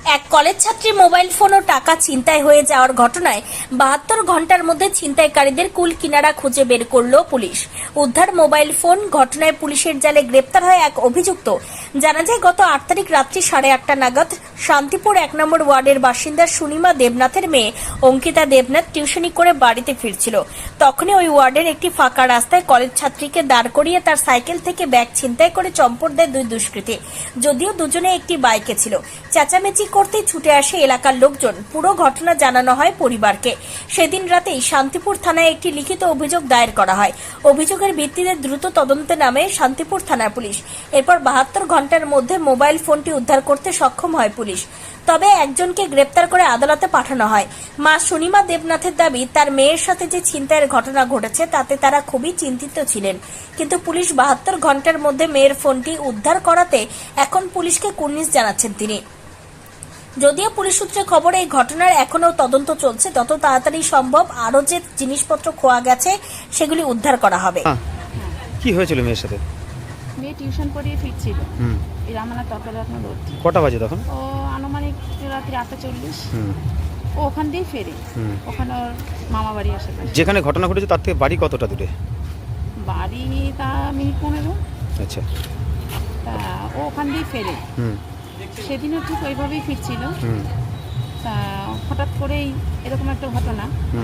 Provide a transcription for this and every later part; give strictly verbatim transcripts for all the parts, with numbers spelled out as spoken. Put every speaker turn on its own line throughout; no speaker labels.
এক কলেজ ছাত্রী mobile phone ও টাকা ছিনতাই হয়ে যাওয়ার ঘটনায় বাহাত্তর ঘন্টার মধ্যে ছিনতাইকারীদের কুল কিনারা খুঁজে বের করল পুলিশ। উদ্ধার মোবাইল ফোন। ঘটনায় পুলিশের জালে গ্রেপ্তার হয় এক অভিযুক্ত। জানা যায় গত আট তারিখ রাত্রি সাড়ে আটটা নাগাদ শান্তিপুর এক নম্বর ওয়ার্ডের বাসিন্দা সুনিমা দেবনাথের মেয়ে অঙ্কিতা দেবনাথ টিউশনি করে বাড়িতে ফিরছিল। তখনই ওই ওয়ার্ডের একটি ফাঁকা রাস্তায় কলেজ ছাত্রীকে দাঁড় করিয়ে তার সাইকেল থেকে ব্যাগ ছিনতাই করে চম্পট দেয় দুই দুষ্কৃতী। যদিও দুজনে একটি বাইকে ছিল। চেঁচামেচি করতেই ছুটে আসে এলাকার লোকজন। পুরো ঘটনা জানানো হয় পরিবারকে। সেদিন রাতেই শান্তিপুর থানায় একটি লিখিত অভিযোগ দায়ের করা হয়। অভিযোগের ভিত্তিতে দ্রুত তদন্তে নামে শান্তিপুর থানার পুলিশ। এরপর বাহাত্তর ঘন্টার মধ্যে মোবাইল ফোনটি উদ্ধার করতে সক্ষম হয় পুলিশ। তবে একজনকে গ্রেপ্তার করে আদালতে পাঠানো হয়। মা সুনিমা দেবনাথের দাবি, তার মেয়ের সাথে যে ছিনতাইয়ের ঘটনা ঘটেছে তাতে তারা খুবই চিন্তিত ছিলেন, কিন্তু পুলিশ বাহাত্তর ঘন্টার মধ্যে মেয়ের ফোনটি উদ্ধার করাতে এখন পুলিশকে কুর্নিশ জানাচ্ছেন তিনি। যদিও পুলিশ সূত্রে খবর এই ঘটনার এখনো তদন্ত চলছে, তত তাড়াতাড়ি সম্ভব আরো যে জিনিসপত্র খোয়া গেছে সেগুলি উদ্ধার করা হবে।
কি হয়েছিল মেয়ের সাথে?
মেয়ে টিউশন পড়িয়ে ফিরছিল এই রামানা তর্করত্ন রোড।
কটা বাজে তখন?
ও আনুমানিক রাত্রি আটটা চল্লিশ। ও ওখান দিয়েই ফেরে। ওখানে ওর মামা বাড়ি আসে।
যেখানে ঘটনা ঘটেছে তার থেকে বাড়ি কতটা দূরে?
বাড়ি তা মিনিট পনেরো।
আচ্ছা।
তা ও ওখান দিয়েই ফেরে। সেদিনও ঠিক ওইভাবেই ফিরছিল। তা হঠাৎ করেই এরকম একটা ঘটনা।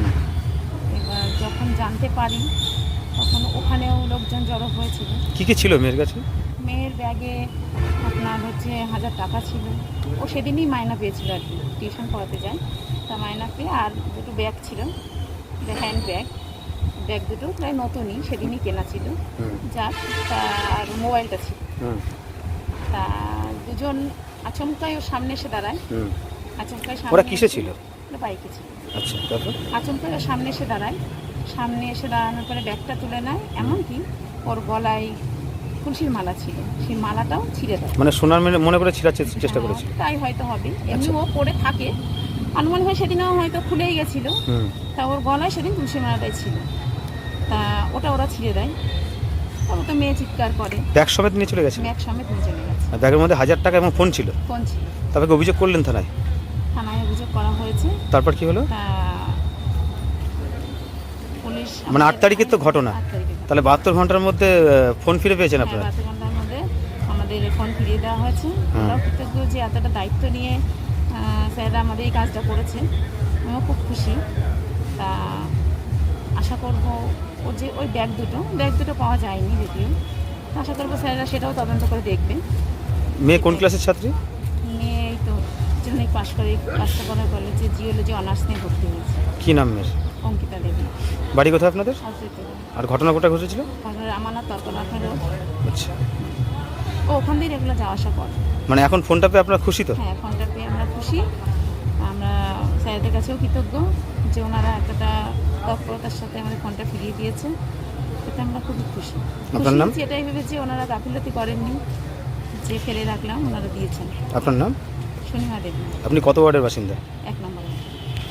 এবার যখন জানতে পারি তখন ওখানেও লোকজন জড়ো হয়েছিল।
কি কি ছিল মেয়ের কাছে?
মেয়ের ব্যাগে আপনার হচ্ছে হাজার টাকা ছিল। ও সেদিনই মায়না পেয়েছিল আর কি, টিউশন পড়াতে যায়। তা মায়না পেয়ে আর দুটো ব্যাগ ছিল, হ্যান্ড ব্যাগ। ব্যাগ দুটো প্রায় নতুনই, সেদিনই কেনা ছিল। যার তার মোবাইলটা ছিল। তা দুজন আচমকাই ওর সামনে এসে দাঁড়ায়। আচমকাই
ওরা কিসে ছিল?
বাইকে ছিল।
আচ্ছা, তারপর
আচমকাই ওর সামনে এসে দাঁড়ায়। সামনে এসে দাঁড়ানোর পরে ব্যাগটা তুলে নেয়, এমনকি ওর গলায় তুলসীর মালা ছিল, সেই মালাটাও ছিঁড়ে দেয়।
মানে সোনার মনে করে ছিঁড়ার চেষ্টা করেছিল।
তাই হয়তো হবে, এমনি ও পরে থাকে অনুমান হয় সেদিনও হয়তো খুলেই গেছিল। তা ওর গলায় সেদিন তুলসী মালাটাই ছিল। তা ওটা ওরা ছিঁড়ে দেয়। তারপর তো মেয়ে চিৎকার করে।
ব্যাগ সমেত নিয়ে চলে গেছে?
ব্যাগ সমেত নিয়ে চলে গেছে।
আর ব্যাগের মধ্যে হাজার টাকা এবং ফোন ছিল?
ফোন ছিল।
তারপরে অভিযোগ করলেন থানায়?
থানায় অভিযোগ করা হয়েছে।
তারপর কি হলো?
তা পুলিশ
মানে আট তারিখের তো ঘটনা, তাহলে বাহাত্তর ঘন্টার মধ্যে ফোন ফিরে পেয়েছেন আপনারা?
বাহাত্তর ঘন্টার মধ্যে আমাদের ফোন ফিরিয়ে দেওয়া হয়েছে। আমরা কৃতজ্ঞ যে এতটা দায়িত্ব নিয়ে স্যাররা আমাদের এই কাজটা করেছে। আমিও খুব খুশি। তা আশা করবো ও যে ওই ব্যাগ দুটো ব্যাগ দুটো পাওয়া যায়নি যদিও, আশা করবো স্যাররা সেটাও তদন্ত করে দেখবে।
মেয়ে কোন ক্লাসের ছাত্রী?
মেয়ে এই তো জন্যই পাশ করে কাস্টমার কলেজে জিওলজি অনার্স নিয়ে ভর্তি হয়েছে।
কি নাম মেয়ের?
অঙ্কিতা দেবী।
বাড়ি কোথায় আপনাদের? আর ঘটনা কোথায় ঘটেছিল?
রামানা তর্কনাথের রোড।
আচ্ছা।
ও ওখান দিয়ে রেগুলার যাওয়া আসা করে।
মানে এখন ফোনটা পেয়ে আপনারা খুশি তো?
হ্যাঁ, ফোনটা পেয়ে আমরা খুশি। আমরা স্যারদের কাছেও কৃতজ্ঞ যে ওনারা এতটা তৎপরতার সাথে আমাদের ফোনটা ফিরিয়ে দিয়েছে। এতে আমরা খুবই খুশি।
আপনার নাম?
এটাই ভেবেছি ওনারা গাফিলতি করেননি, যে ফেলে রাখলাম ওনারা দিয়েছেন।
আপনার নাম?
সুনিমা দেবী।
আপনি কত ওয়ার্ডের বাসিন্দা?
এক নম্বর।